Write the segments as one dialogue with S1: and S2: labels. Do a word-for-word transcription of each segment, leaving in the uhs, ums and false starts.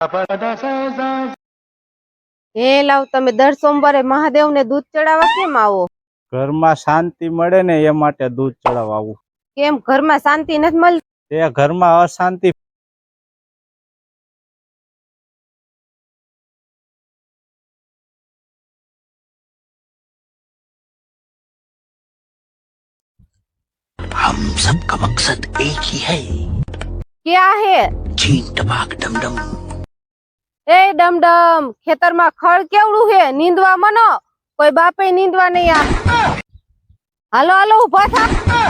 S1: હે લાવ, તમે દર સોમવારે મહાદેવ ને દૂધ ચડાવવા કેમ આવો?
S2: ઘરમાં શાંતિ મળે ને એ માટે દૂધ ચડાવવા આવું.
S1: કેમ ઘરમાં શાંતિ નથી મળતી?
S2: તે ઘરમાં અશાંતિ.
S3: हम सबका मकसद एक ही है,
S1: क्या है?
S3: चीन टपाक डमडम।
S1: ए डमडम, खेतर में खड़ केवड़ू है, नींदवा मनो, कोई बापे नींदवा नहीं आ। हालो हालो उभा था।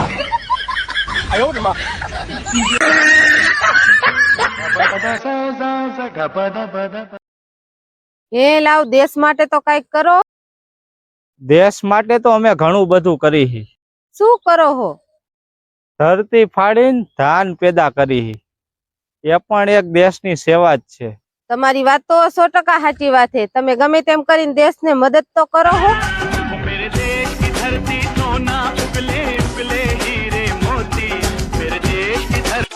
S1: એ લાવ, દેશ માટે તો કઈક કરો.
S2: દેશ માટે તો અમે ઘણું બધું કરી હી.
S1: શું કરો હો?
S2: ધરતી ફાડીને ધાન પેદા કરી હી. એ પણ એક દેશની સેવા જ છે.
S1: તમારી વાત તો સો ટકા સાચી વાત છે. તમે ગમે તેમ કરીને દેશને મદદ તો કરો હો.
S4: मेरे देश की धरती सोना उगले उगले हीरे मोती, मेरे देश की धरती।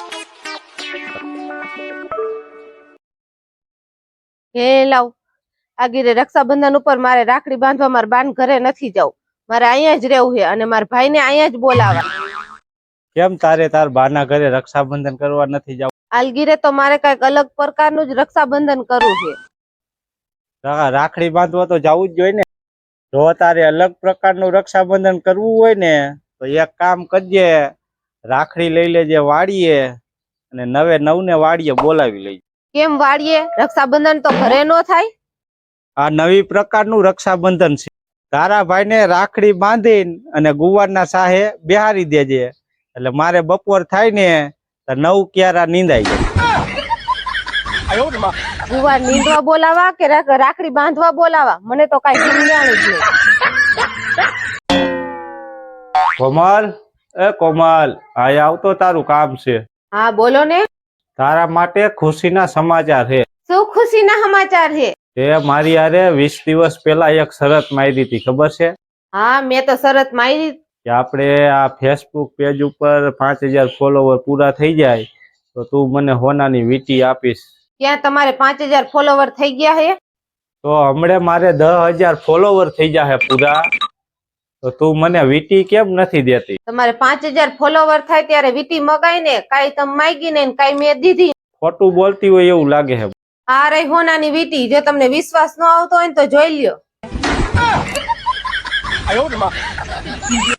S1: હે લાવ, આગીરે રક્ષાબંધન ઉપર મારે રાખડી બાંધવા મારા બાન ઘરે નથી જવું. મારે અહીંયા જ રહેવું છે અને મારા ભાઈને અહીંયા જ બોલાવા.
S2: કેમ તારે તાર બાના ઘરે રક્ષાબંધન કરવા નથી જવું?
S1: આલગીરે તો મારે કઈક અલગ પ્રકારનું જ રક્ષાબંધન કરવું છે.
S2: રાખડી બાંધવા તો જવું જ જોઈએ ને. જો તારે અલગ પ્રકારનું રક્ષાબંધન કરવું હોય ને તો એક કામ કરજે, રાખડી લઈ લેજે વાડીએ અને નવે નવ ને વાડીએ બોલાવી લઈ.
S1: કેમ વાડીએ? રક્ષાબંધન તો ઘરે નો થાય.
S2: આ નવી પ્રકારનું રક્ષાબંધન છે. તારા ભાઈને રાખડી બાંધીને અને ગુવારના સાહે બેહારી દેજે, એટલે મારે બપોર થાય ને તો નવ ક્યારા નીંદાઈ જાય.
S1: ગુવાર નીંદવા બોલાવા કે રાખડી બાંધવા બોલાવા? મને તો કઈ સમજાણું જ નહીં.
S2: કોમલ, એ કોમલ, આ આવતો તારું કામ છે.
S1: હા બોલો ને.
S2: તારા માટે ખુશીના સમાચાર છે.
S1: શું ખુશીના સમાચાર છે?
S2: તે મારી હારે વીસ દિવસ પહેલા એક શરત મારી હતી, ખબર છે?
S1: હા, મેં તો શરત મારી
S2: કે આપણે આ ફેસબુક પેજ ઉપર પાંચ હજાર ફોલોવર પૂરા થઈ જાય તો તું મને હોનાની વીટી આપીશ.
S1: ક્યાં તમારે પાંચ હજાર ફોલોવર થઈ ગયા હે?
S2: તો હમણે મારે દસ હજાર ફોલોવર થઈ જાય પૂરા, તો તું મને વીટી કેમ નથી દેતી?
S1: તમારે પાંચ હજાર ફોલોવર થાય ત્યારે વીટી મગાઈ ને, કાઈ તમે માગી ને કાઈ મેં દીધી.
S2: ખોટું બોલતી હોય એવું લાગે છે.
S1: આ રહી હોનાની વીટી. જો તમને વિશ્વાસ ન આવતો હોય તો જોઈ લ્યો.